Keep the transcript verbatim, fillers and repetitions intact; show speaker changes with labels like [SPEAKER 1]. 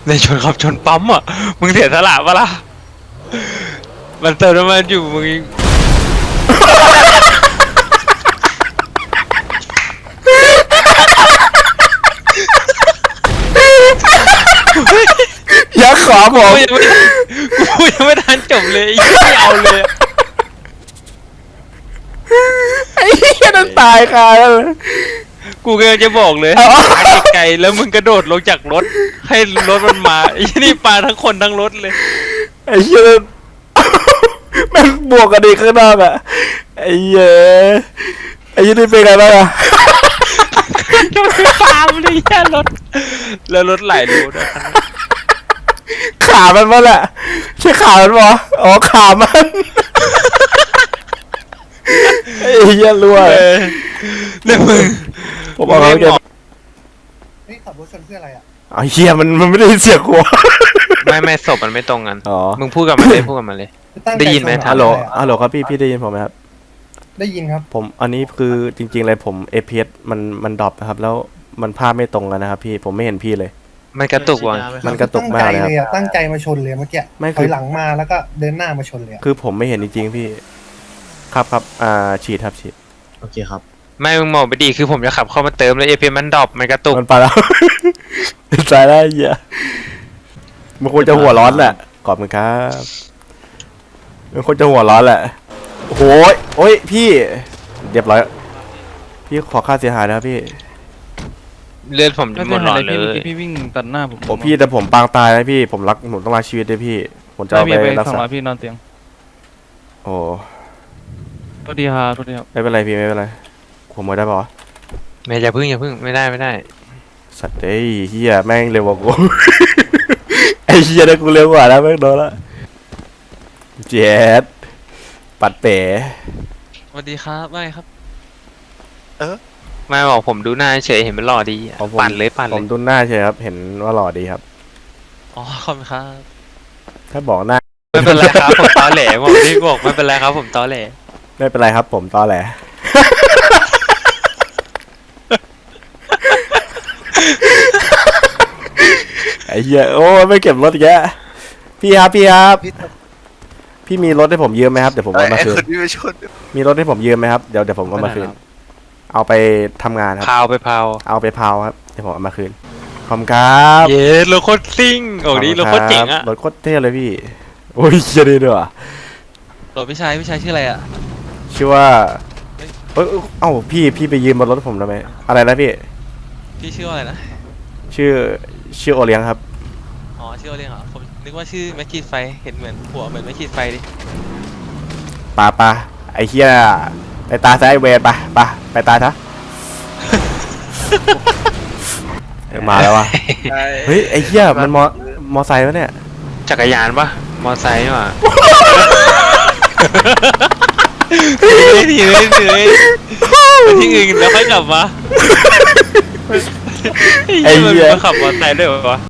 [SPEAKER 1] ในชนขับชนปั๊มอ่ะมึงเสียสละปะล่ะมันเติมน้ำมันอยู่มึง
[SPEAKER 2] ยักษ์ขวาผม
[SPEAKER 1] กูยังไม่กูยังไม่ทันจบเลยไม่เอาเลย
[SPEAKER 2] ไอ้เหี้ยนั่นตายคาแล้วเลย
[SPEAKER 1] กูก็จะบอกเลย
[SPEAKER 2] เอา
[SPEAKER 1] ไกลๆแล้วมึงกระโดดลงจากรถให้รถมันมาไอ้นี่ปาทั้งคนทั้งรถเลย
[SPEAKER 2] ไอ้เหี้ยนั่นแม่งบวกกันดีข้างนอกอ่ะไอ้เหี้ยไอ้เหี้ยนี่เป็นไงบ้างอ่ะ
[SPEAKER 1] จะไม่ตามเลยแค่รถแล้วรถไหลรูด้วย
[SPEAKER 2] ขามันมั้งแหละใช่ขามันปะอ๋อขามันไอ้เหี้ยรั่ว
[SPEAKER 1] เออเนี่ยมึง
[SPEAKER 2] ผมบอกแล้วแก
[SPEAKER 3] เฮ้ยขับรถชนเพื่ออะไรอ่ะ
[SPEAKER 2] ไอ้เหี้ยมันมันไม่ได้ยินเสียงกู
[SPEAKER 1] ไม่ไม่ศพมันไม่ตรงกัน
[SPEAKER 2] อ๋อ
[SPEAKER 1] มึงพูดกับมันเลยพูดกับมันเลย
[SPEAKER 3] ตั้งใจ
[SPEAKER 1] ได้ยินไหม
[SPEAKER 3] ชเร
[SPEAKER 2] ฮัลโหล
[SPEAKER 3] อะ
[SPEAKER 2] ฮัลโหลครับพี่พี่ได้ยินผมไหมครับ
[SPEAKER 3] ได้ยินครับ
[SPEAKER 2] ผมอันนี้คือจริงๆเลยผม เอ พี เอส มันมันดรอปนะครับแล้วมันภาพไม่ตรงกันนะครับพี่ผมไม่เห็นพี่เลย
[SPEAKER 1] มันกระตุกว่ะ
[SPEAKER 2] มันกระตุกมากเลยครับ
[SPEAKER 3] ตั้งใจเลยอะตั้งใจมาชนเลยเมื่อกี้
[SPEAKER 2] ไม่
[SPEAKER 3] ถ
[SPEAKER 2] คือ
[SPEAKER 3] อยหลังมาแล้วก็เดินหน้ามาชนเลยอะ
[SPEAKER 2] คือผมไม่เห็นจริงๆพี่ ครับครับอ่าฉีดครับฉีด
[SPEAKER 4] โอเคครับ
[SPEAKER 1] ไม่มึงมองไปดีคือผมจะขับเข้ามาเติมแล้วเอพีมันดรอปมันกระตุก
[SPEAKER 2] มันไปแล้ว ตายแล้วไอ้เหี้ยมันควรจะหัวร้อนแหละขอบคุณครับมันควรจะหัวร้อนแหละโอ้โหยโอ้ยพี่เรียบร้อยพี่ขอค่าเสียหายนะครับพี่
[SPEAKER 1] เลือดผมจะ
[SPEAKER 5] ไม่
[SPEAKER 1] หม
[SPEAKER 5] เป็
[SPEAKER 1] ด
[SPEAKER 5] น
[SPEAKER 1] หลอ
[SPEAKER 5] ไร
[SPEAKER 1] ดเล
[SPEAKER 5] พี่เมื่อย กี้พี่วิ่งตัดหน้าผม
[SPEAKER 2] โอ้พี่แต่ผมปางตายนะพี่ผมรักผมต้องรักชีวิตด้วยพี่ผมจะ
[SPEAKER 5] ไม่
[SPEAKER 2] เอา
[SPEAKER 5] มี
[SPEAKER 2] ไป
[SPEAKER 5] ไป
[SPEAKER 2] รัก
[SPEAKER 5] สอง
[SPEAKER 2] ษา
[SPEAKER 5] ร้อยพี่นอนเตียง
[SPEAKER 2] โอ้
[SPEAKER 5] โทษทีครับโทษทีครับ
[SPEAKER 2] ไม่เป็นไรพี่ไม่เป็นไรผมไม่ได้ปะวะ
[SPEAKER 1] ไม่อย่าพึ่งอย่าพึ่งไม่ได้ไม่ได้
[SPEAKER 2] สัตว์เอ้ยเฮียแม่งเร็วกว่ากู ไอ้เฮียได้กูเร็วกว่าแล้วแม่งโดนละเจ็ดปัดเป๋
[SPEAKER 5] สวัสดีครับไม่ครับ
[SPEAKER 1] ไม่บอกผมดูหน้าเฉยเห็นมันหล่อดีอะ
[SPEAKER 2] ของผม
[SPEAKER 1] ปั่นเลยปั่น
[SPEAKER 2] ผ
[SPEAKER 1] เล
[SPEAKER 2] ม
[SPEAKER 1] ย
[SPEAKER 2] ดูหน้าเฉยครับเห็นว่าหล่อดีครับ
[SPEAKER 5] อ๋อขอบคุณครับ
[SPEAKER 2] ถ้าบอกหน้า
[SPEAKER 1] ไม่เป็นไรครับผมตอแหลบอกพี่บอกไม่เป็นไรครับผมตอแหล
[SPEAKER 2] ไม่เป็นไรครับผมตอแหล ไอ้เหี้ยโอ้ยไม่เก็บรถอีกแกพี่ครับพี่ครับพี่มีรถให้ผมยืมไหมครับเดี๋ยวผมเอามาคืนมีรถให้ผมยืมไหมครับเดี๋ยวเดี๋ยวผมเอามาคืนเอาไปทำงานครับ
[SPEAKER 1] พาวไปพาว
[SPEAKER 2] เอาไปเผาครับเดี๋ยวผมเอามาคืนขอบคุณครับ
[SPEAKER 1] เย้รถโคตรซิ่งโอ้ดีรถโคตรเจ๋งอะ
[SPEAKER 2] รถโคตรเท่เลยพี่โอ้ยเชียดีด้วยว่ะ
[SPEAKER 5] โหลพี่ชายพี่ชายชื่ออะไรอ่ะ
[SPEAKER 2] ชื่อว่าเอ้ยเอ้ยเอ้าพี่พี่ไปยืมบนรถผมทำไมอะไรนะพี่
[SPEAKER 5] พี่ชื่ออะไรนะ
[SPEAKER 2] ชื่อชื่อโอเลี้ยงครับ
[SPEAKER 5] อ๋อชื่ออะไรเหรอผมนึกว่าชื่อแม็กกี้ไฟเห็นเหมือนหัวเหมือนแม็กกี้ไฟดิ
[SPEAKER 2] ปาปาไอ้เฮียไปตาซ้ายเวรปะปะไปตาซะ เออมาแล้ววะเฮ้ยไอ้เฮียมันมอมอไซค์วะเนี่ย
[SPEAKER 1] จักรยานปะมอไซค์ว่ะทีเลยทีเลยไปที่อื่นแล้วค่อยกลับมา
[SPEAKER 2] ไอ้เหี้ย
[SPEAKER 1] มันขับมอไซค์ด้วยวะ